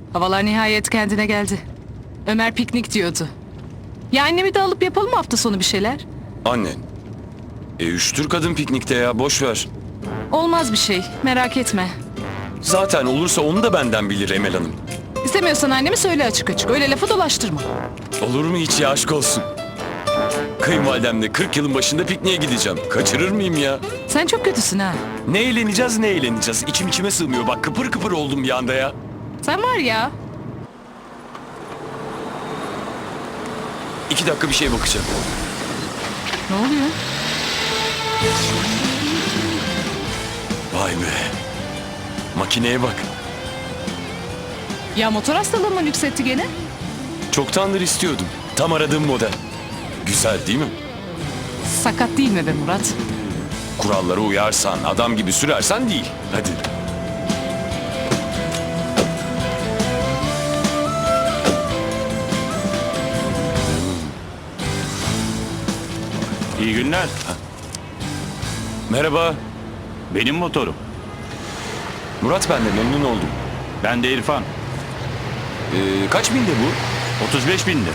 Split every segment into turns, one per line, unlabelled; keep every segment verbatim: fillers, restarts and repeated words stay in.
Havalar nihayet kendine geldi. Ömer piknik diyordu. Ya annemi de alıp yapalım mı hafta sonu bir şeyler?
Annen. E üştür kadın piknikte ya, boş ver.
Olmaz bir şey, merak etme.
Zaten olursa onu da benden bilir Emel Hanım.
İstemiyorsan annemi söyle açık açık. Öyle lafı dolaştırma.
Olur mu hiç ya, aşk olsun. Kayınvalidemle kırk yılın başında pikniğe gideceğim. Kaçırır mıyım ya?
Sen çok kötüsün ha.
Ne eğleneceğiz ne eğleneceğiz. İçim içime sığmıyor. Bak kıpır kıpır oldum bir anda ya.
Sen var ya.
İki dakika bir şeye bakacağım.
Ne oluyor?
Vay be. Makineye bak.
Ya motor hastalığın mı yükseltti gene?
Çoktandır istiyordum. Tam aradığım model. Güzel değil mi?
Sakat değil mi be Murat?
Kurallara uyarsan, adam gibi sürersen değil. Hadi.
İyi günler.
Merhaba.
Benim motorum.
Murat, ben de memnun oldum.
Ben de İrfan.
Ee, kaç binde bu?
otuz beş bindi.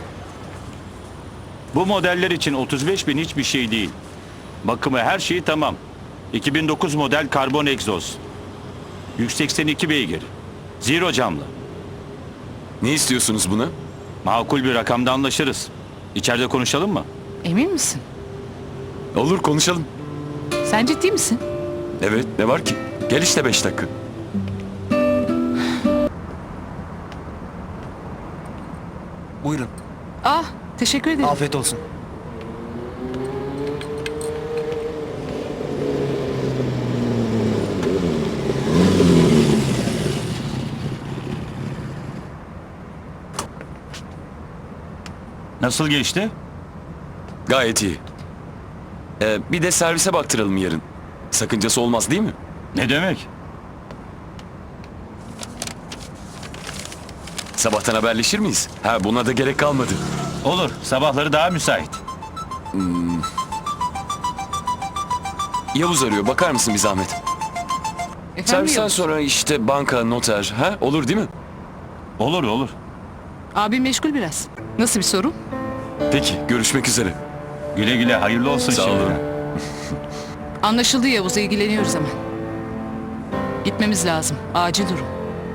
Bu modeller için otuz beş bin hiçbir şey değil. Bakımı her şeyi tamam. iki bin dokuz model karbon egzoz. yüz seksen iki beygir. Zero camlı.
Ne istiyorsunuz buna?
Makul bir rakamda anlaşırız. İçeride konuşalım mı?
Emin misin?
Olur, konuşalım.
Sen ciddi misin?
Evet, ne var ki? Gel işte beş dakika.
Buyurun.
Ah, teşekkür ederim.
Afiyet olsun.
Nasıl geçti?
Gayet iyi. Ee, bir de servise baktıralım yarın. Sakıncası olmaz değil mi?
Ne demek?
Sabahtan haberleşir miyiz? Ha, buna da gerek kalmadı.
Olur. Sabahları daha müsait.
Yavuz arıyor, bakar mısın bir zahmet?
Efendim
Servisten
Yavuz?
sonra işte banka, noter, ha? Olur değil mi?
Olur olur.
Abim meşgul biraz. Nasıl bir sorun?
Peki, görüşmek üzere.
Güle güle hayırlı olsun
Sağ
şimdi.
olun.
Anlaşıldı Yavuz, ilgileniyoruz hemen. Gitmemiz lazım. Acil durum.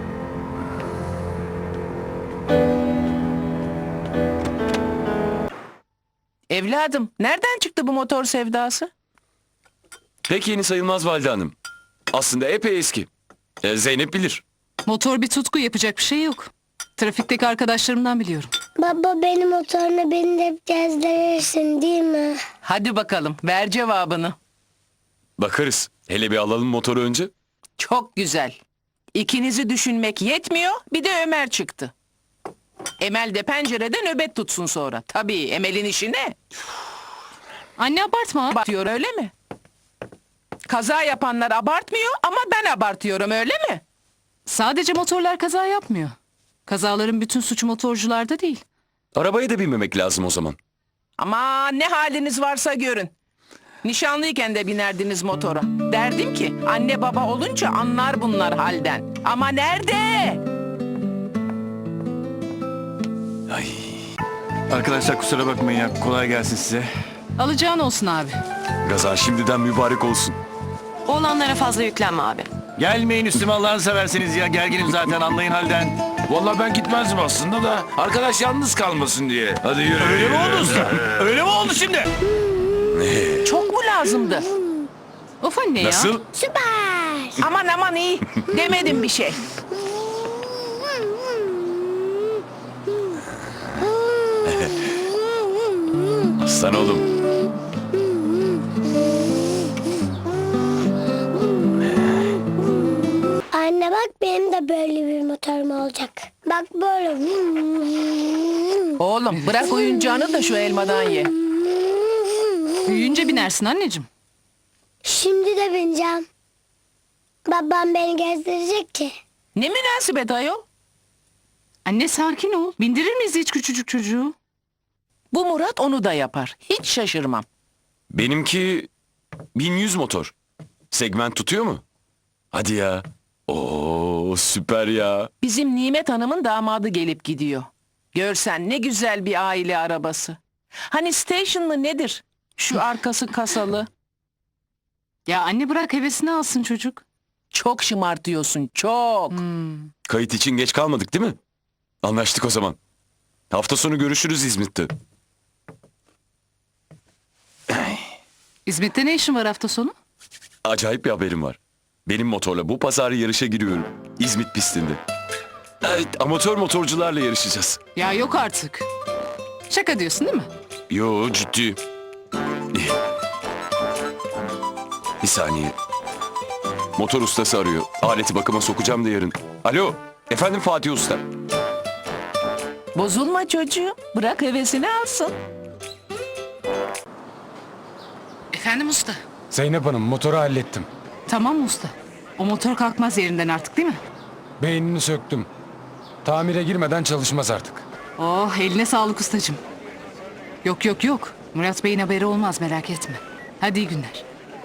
Evladım, nereden çıktı bu motor sevdası?
Pek yeni sayılmaz Valide Hanım. Aslında epey eski. Ee, Zeynep bilir.
Motor bir tutku, yapacak bir şey yok. Trafikteki arkadaşlarımdan biliyorum.
Baba benim motoruna beni de gezdirirsin değil mi?
Hadi bakalım, ver cevabını.
Bakarız. Hele bir alalım motoru önce.
Çok güzel. İkinizi düşünmek yetmiyor, bir de Ömer çıktı. Emel de pencerede nöbet tutsun sonra. Tabii, Emel'in işi ne?
Anne abartma.
Abartıyor öyle mi? Kaza yapanlar abartmıyor ama ben abartıyorum öyle mi?
Sadece motorlar kaza yapmıyor. Kazaların bütün suçu motorcularda değil.
Arabaya da binmemek lazım o zaman.
Ama ne haliniz varsa görün. Nişanlıyken de binerdiniz motora. Derdim ki anne baba olunca anlar bunlar halden. Ama nerede?
Ay.
Arkadaşlar kusura bakmayın ya. Kolay gelsin size.
Alacağın olsun abi.
Gaza şimdiden mübarek olsun.
Oğlanlara fazla yüklenme abi.
Gelmeyin üstüme Allah'ını seversiniz ya. Gerginim zaten anlayın halden.
Vallahi ben gitmezdim aslında da arkadaş yalnız kalmasın diye. Hadi yürü.
Öyle mi
yürü.
oldu usta? Öyle mi oldu şimdi?
Çok mu lazımdı?
Of anne
Nasıl?
ya.
Süper.
Aman aman iyi. Demedim bir şey.
Aslan oğlum.
Anne bak benim de böyle bir motorum olacak. Bak böyle.
Oğlum bırak oyuncağını da şu elmadan ye.
Büyüyünce binersin anneciğim.
Şimdi de bineceğim. Babam beni gezdirecek ki.
Ne münasebet ayol?
Anne sakin ol. Bindirir miyiz hiç küçücük çocuğu?
Bu Murat onu da yapar. Hiç şaşırmam.
Benimki bin yüz motor. Segment tutuyor mu? Hadi ya. Oo süper ya.
Bizim Nimet Hanım'ın damadı gelip gidiyor. Görsen ne güzel bir aile arabası. Hani stationlı nedir? Şu arkası kasalı.
Ya anne bırak hevesini alsın çocuk.
Çok şımartıyorsun, çok.
Kayıt için geç kalmadık değil mi? Anlaştık o zaman. Hafta sonu görüşürüz İzmit'te.
İzmit'te ne işin var hafta sonu?
Acayip bir haberim var. Benim motorla bu pazar yarışa giriyorum. İzmit pistinde. Evet, amatör motorcularla yarışacağız.
Ya yok artık. Şaka diyorsun değil mi?
Yo ciddi. Bir saniye. Motor ustası arıyor. Aleti bakıma sokacağım da yarın. Alo. Efendim Fatih Usta.
Bozulma çocuğum. Bırak hevesini alsın.
Efendim usta.
Zeynep Hanım motoru hallettim.
Tamam mı usta? O motor kalkmaz yerinden artık değil mi?
Beynini söktüm. Tamire girmeden çalışmaz artık.
Oh eline sağlık ustacığım. Yok yok yok. Murat Bey'in haberi olmaz merak etme. Hadi iyi günler.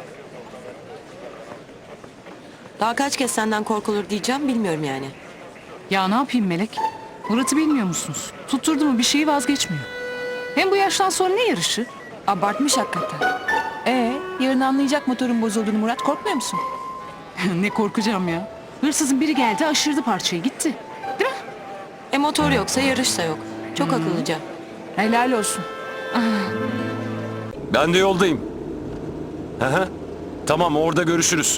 Daha kaç kez senden korkulur diyeceğim bilmiyorum yani.
Ya ne yapayım Melek? Murat'ı bilmiyor musunuz? Tutturdu mu bir şeyi vazgeçmiyor. Hem bu yaştan sonra ne yarışı?
Abartmış hakikaten. Ee, yarın anlayacak motorun bozulduğunu Murat, korkmuyor musun?
Ne korkacağım ya. Hırsızın biri geldi aşırdı parçayı gitti. Değil mi?
E motor yoksa yarış da yok. Çok akıllıca.
Helal olsun.
Ben de yoldayım. Hı hı. Tamam orada görüşürüz.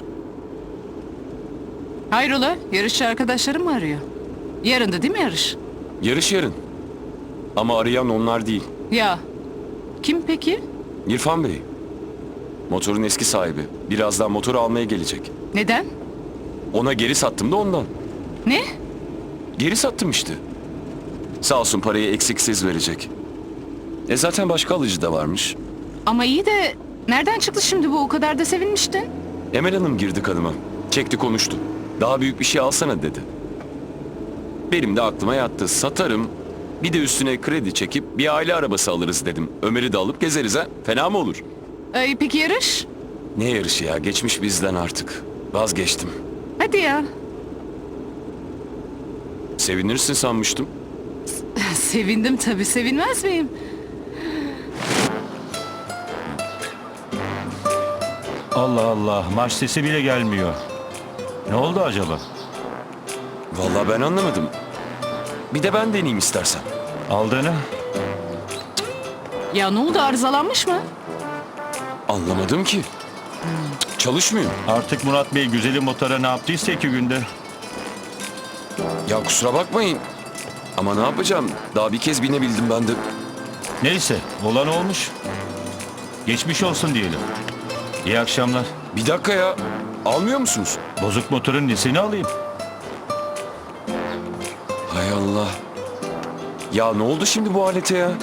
Hayrola yarışçı arkadaşlarım mı arıyor? Yarın da değil mi yarış?
Yarış yarın. Ama arayan onlar değil.
Ya kim peki?
İrfan Bey. Motorun eski sahibi. Birazdan motoru almaya gelecek.
Neden?
Ona geri sattım da ondan.
Ne?
Geri sattım işte. Sağ olsun parayı eksiksiz verecek. E zaten başka alıcı da varmış.
Ama iyi de nereden çıktı şimdi bu o kadar da sevinmiştin?
Emel Hanım girdi kanıma. Çekti konuştu. Daha büyük bir şey alsana dedi. Benim de aklıma yattı. Satarım. Bir de üstüne kredi çekip bir aile arabası alırız dedim. Ömer'i de alıp gezeriz ha. Fena mı olur?
Ee, peki yarış?
Ne yarışı ya? Geçmiş bizden artık. Vazgeçtim.
Hadi ya.
Sevinirsin sanmıştım.
Sevindim tabii sevinmez miyim?
Allah Allah, marş sesi bile gelmiyor. Ne oldu acaba?
Vallahi ben anlamadım. Bir de ben deneyeyim istersen.
Aldığını?
Ya ne oldu arızalanmış mı?
Anlamadım ki. Cık, Çalışmıyor.
Artık Murat Bey güzeli motora ne yaptıysa iki günde.
Ya kusura bakmayın. Ama ne yapacağım? Daha bir kez binebildim ben de.
Neyse, olan olmuş. Geçmiş olsun diyelim. İyi akşamlar.
Bir dakika ya. Almıyor musunuz?
Bozuk motorun nesini alayım?
Hay Allah. Ya ne oldu şimdi bu alete ya?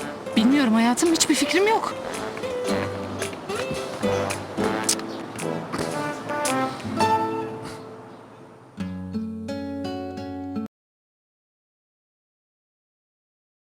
Bilmiyorum hayatım hiçbir fikrim yok.